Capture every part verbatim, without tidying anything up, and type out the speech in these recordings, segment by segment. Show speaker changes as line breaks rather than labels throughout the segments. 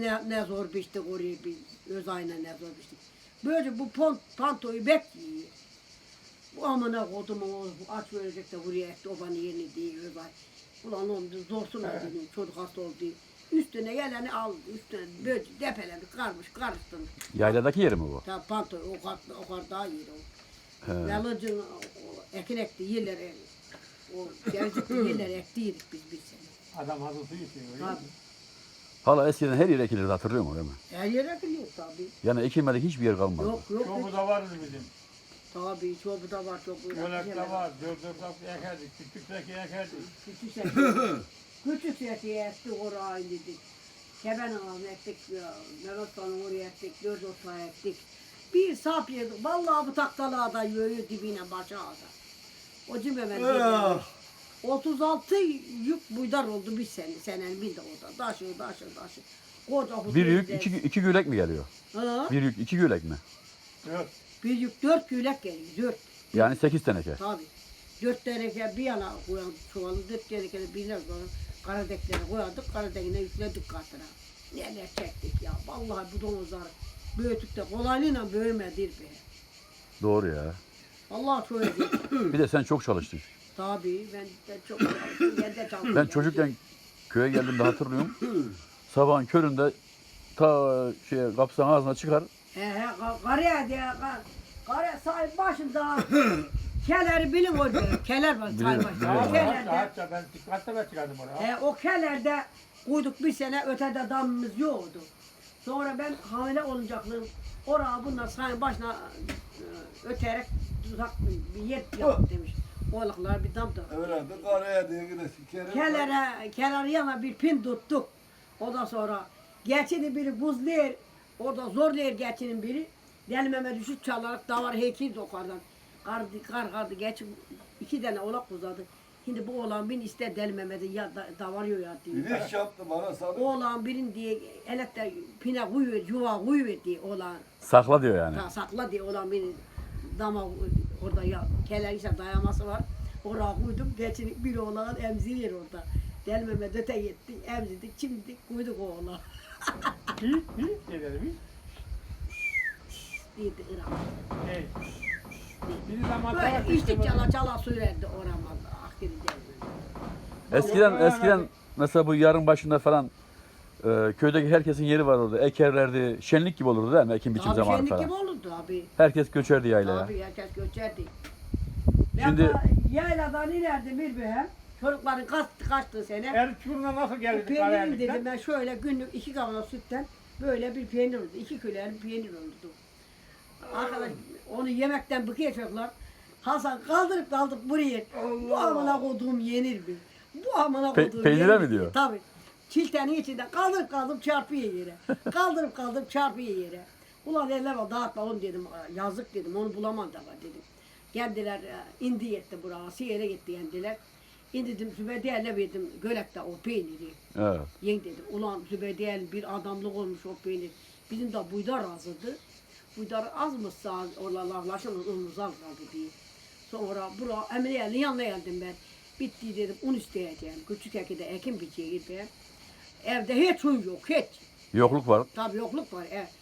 ne, ne zor biçtik oraya bir öz ayna ne zor biçtik. Böyle bu pont, pantoyu bekliyor. Bu amına kodum o aç verecek de buraya etti obanın yerini diye öz ay. Ulan oğlum zorsun evet. Dedim çocuk hasta oldu diye. Üstüne geleni aldı. Üstüne böyle depelemiş, karmış, karıştırmış.
Yayladaki yeri mi bu?
Tabii panto o kadar, o kadar daha iyi o. Yalıcın ekin ekti yerlere, o gelecekti yerlere ektiydik biz bir sene.
Adam hazır su yetiyor.
Tabii.
Hala eskiden her yer ekilirdi hatırlıyor musun değil mi?
Her yer ekiliyor tabii.
Yani ekilmedik hiçbir yer kalmadı.
Yok yok.
Çoğu da vardı bizim.
Tabii çoğu da var çok.
Yönekte var. Dört dört hafta ekerdik. Küçük seki ekerdik.
Küçük seki. Küçük seki ekti oraya dedik. Keben ağzını ektik. Mehmet Hanım oraya ektik. Dört ortaya ektik. Bir sap yedik. Vallahi bu taktalığa da yöyü dibine başa ağda. O cimbemen dedi. otuz altı yük buydar oldu bir sene. Senenin bir de orada. Daşı daşı daşı. Koca
bir yük iki, iki gülek mi geliyor?
Ha?
Bir yük iki gülek mi?
Dört.
Bir yük dört gülek geliyor. Dört.
Yani sekiz teneke.
Tabii. Dört teneke bir yana koyan çuvalı, dört teneke de bir yana koyan karadeklere koyardık, karadekine yükledik katına. Neler çektik ya, vallahi bu domuzlar büyütük de kolaylığıyla büyümedir be.
Doğru ya.
Vallahi çok iyi.
Bir de sen çok çalıştın.
Tabii, ben de çok çalıştım, ben de çalıştım.
Ben çocukken köye geldiğimde hatırlıyorum. Sabahın köründe ta şeye kapısının ağzına çıkar.
He he, karaya diye, karaya sahip başında keleri bilin orada, keler var sahip başında.
Hatta
Kelerde,
hatta ben dikkatle ben çıkardım oraya.
he, o kelerde koyduk bir sene, ötede damımız yoktu. Sonra ben hamile olacaklığım, oraya bunlar sahip başına e, öterek tuzak bir yer yaptı demiş. Oğlaklar bir dam da.
Öğrendim, karaya diye yine sikerim.
Kelere, keler yana bir pin tuttuk. Ondan sonra geçini biri buzlayır, orada zorlayır geçinin biri. Delmeme düşüp çalarak davar heykil dokardan. Kardı, kar kardı geç iki tane oğlak uzadı. Şimdi bu oğlan bin ister delmemedi ya da, davarıyor ya diye.
Bir iş yaptım bana sana.
Oğlan birin diye elekte pine kuyuver, yuva kuyuver diye oğlan.
Sakla diyor yani.
Ta, sakla diye oğlan birin dama orada ya keler işte dayaması var. Oraya koydum. Geçin bir oğlan emziriyor orada. Delmeme döte gitti, emzirdik, çimdik, koyduk o oğlan.
Hi hi dedim.
Dedi Irak.
Hey. Bir zaman
Böyle içtik çala çala sürerdi oramazdı. Ahiri geldi.
Eskiden eskiden mesela bu yarın başında falan e, köydeki herkesin yeri var orada. Ekerlerdi. Şenlik gibi olurdu değil mi? Ekim biçim
Abi
zamanı
şenlik
falan.
gibi olurdu abi.
Herkes göçerdi yaylaya.
Abi herkes göçerdi.
Şimdi-
Şimdi yayladan inerdim bir behem. Çocukların kaçtı kaçtı sene.
Erçur'una nasıl
O
geldik
peynirim
Karayellik'ten?
dedim ben şöyle günlük iki kavanoz sütten böyle bir peynir oldu. İki külerin peynir oldu. Arkadaş onu yemekten bıkıyacaklar. Hasan kaldırıp kaldırıp buraya. Bu amına koduğum yenir mi? Bu amına
Pe-
koduğum
peynire
yenir
mi diyor?
Tabii. Çiltenin içinden kaldırıp kaldırıp çarpıyor yere. Kaldırıp kaldırıp çarpıyor yere. Ulan eller var dağıtma onu dedim. Yazık dedim onu bulamam da var dedim. Geldiler indi etti buraya. Siyere gitti yendiler. İndirdim Zübeyde'yle verdim Gölek'te o peyniri.
Evet.
Yen dedim. Ulan Zübeyde'yle bir adamlık olmuş o peynir. Bizim de buydar azdı. Buydar azmışsa orada laflaşımız unumuz az kaldı diye. Sonra buraya Emre'nin yanına geldim ben. Bitti dedim un isteyeceğim. Küçük ekide ekim biçeyim ben. Evde hiç un yok hiç.
Yokluk var.
Tabii yokluk var. E,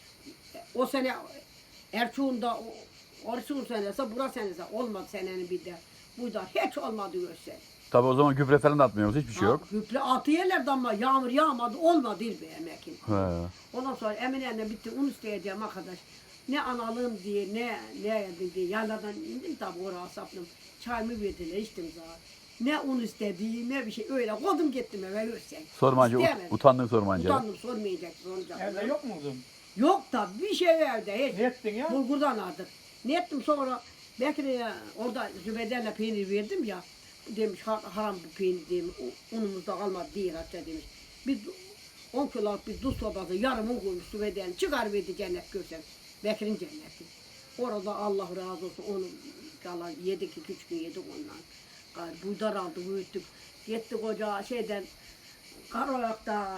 o sene Erçuğun'da Orçun senesi, bura senesi olmadı senenin bir de. Buydar hiç olmadı görsen.
Tabii o zaman gübre falan da atmıyoruz. Hiçbir şey yok.
Gübre atı yerlerdi ama yağmur yağmadı olmadı be emekin.
He.
Ondan sonra Emine'yle bitti un isteyeceğim arkadaş. Ne analım diye ne ne yedim diye yerlerden indim tabi oraya sapladım. Çayımı verdiler içtim zaten. Ne un istediği ne bir şey öyle kodum gittim eve görsen.
Sormancı ut-
İsteyemedim.
utandın sormancı.
Utandım sormayacak soracak.
Evde yok muydu?
Yok da bir şey evde hiç.
Ne ettin ya?
Bulgurdan aldık. Ne ettim sonra belki de ya, orada Zübeyde'yle peynir verdim ya. Demiş "Ha- haram bu peynir demiş. u- Unumuzda kalmadı değil hatta demiş. Biz on kiloluk bir duz sobası yarım un koymuş Zübeyde'nin çıkar verdi cennet görsen. Bekir'in cenneti. Orada Allah razı olsun onu kalan yedik iki üç gün yedik ondan. Gayrı buydar aldı büyüttük. Gittik ocağa şeyden Karoyak'ta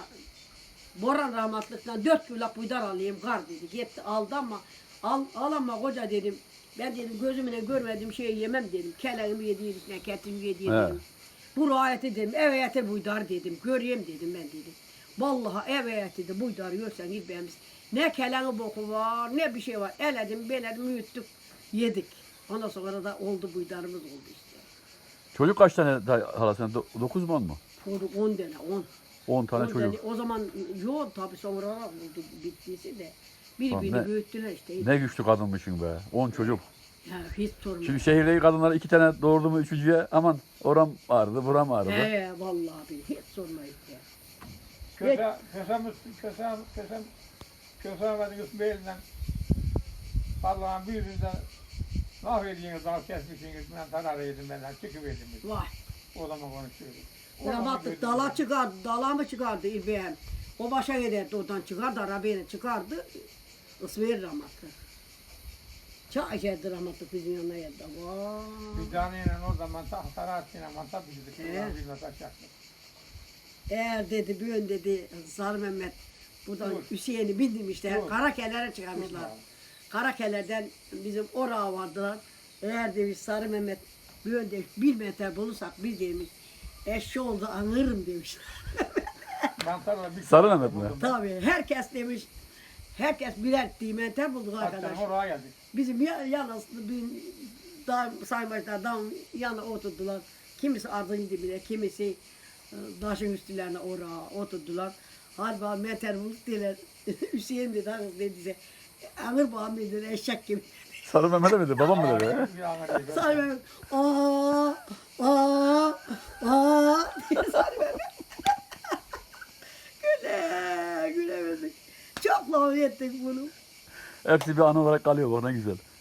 Boran rahmatlıktan dört kiloluk buydar alayım kar dedi. Gitti aldı ama al, al ama koca dedim. Ben dedim gözümle görmediğim şeyi yemem dedim. Keleğimi yediğim, ketimi yediğim
He.
dedim. Bu ayeti dedim, evet buydar dedim. Göreyim dedim ben dedim. Vallahi evet dedi buydu görsen İbrahim'imiz. Ne keleni boku var ne bir şey var. Eledim beledim yuttuk yedik. Ondan sonra da oldu buydarımız oldu işte.
Çocuk kaç tane da- hala sen? Do- Dokuz mu on mu?
Çocuk on tane on.
On tane
on
çocuk.
tane- o zaman yok tabii sonra oldu bittiyse de. Biri
Lan
birini
ne-
büyüttüler işte.
Ne güçlü kadınmışsın be. On çocuk.
Ya, hiç sorma.
Şimdi şehirdeki kadınlar iki tane doğurdu mu üçüncüye aman oram ağrıdı, buram ağrıdı.
He vallahi bir hiç sorma işte.
Köse, kösemiz, kösem, kösem, kösem ve Yusuf elinden Allah'ın bir yüzünden mahvediğiniz dal kesmişsiniz, ben zarar yedim benden, çıkıverdim biz.
Vay.
O zaman konuşuyoruz. O
Buna
zaman
baktık
gördüm
dala
ben.
çıkardı, dala mı çıkardı İbrahim? O başa giderdi oradan çıkardı, arabayla çıkardı. Isverir rahmatlı. Çay içerdi rahmatlı bizim yanına geldi. Vay.
Bir taneyle o zaman tahtalar sinemata bizdik,
He.
oradan bir mesaj yaptık.
Eğer dedi bir ön dedi Sarı Mehmet buradan
Dur.
Hüseyin'i bindirmişler.
Dur.
Karakelere çıkarmışlar. Karakelerden bizim orağa vardılar. Eğer demiş Sarı Mehmet bir ön demiş bir metre bulursak biz demiş eşşi oldu anırım demiş.
Mantarla bir
Sarı Mehmet mi?
buldum.
Tabii herkes demiş herkes birer metre bulduk
Hatta
arkadaş.
oraya geldik.
Bizim ya, yalnız bir dağ, saymaçlar dağın yanına oturdular. Kimisi ardın dibine, kimisi e, taşın üstlerine oraya oturdular. Halbuki meter bulduk dediler. Hüseyin dedi, hanım dediyse. Anır bağım dediler, eşek gibi.
Sarı Mehmet'e miydi? Babam mı dedi?
Bir anı değil.
Sarı Mehmet, aaa, aaa, aaa diye Sarı Mehmet. Güle, gülemedik. Çok laf ettik bunu.
Hepsi bir anı olarak kalıyor bak ne güzel.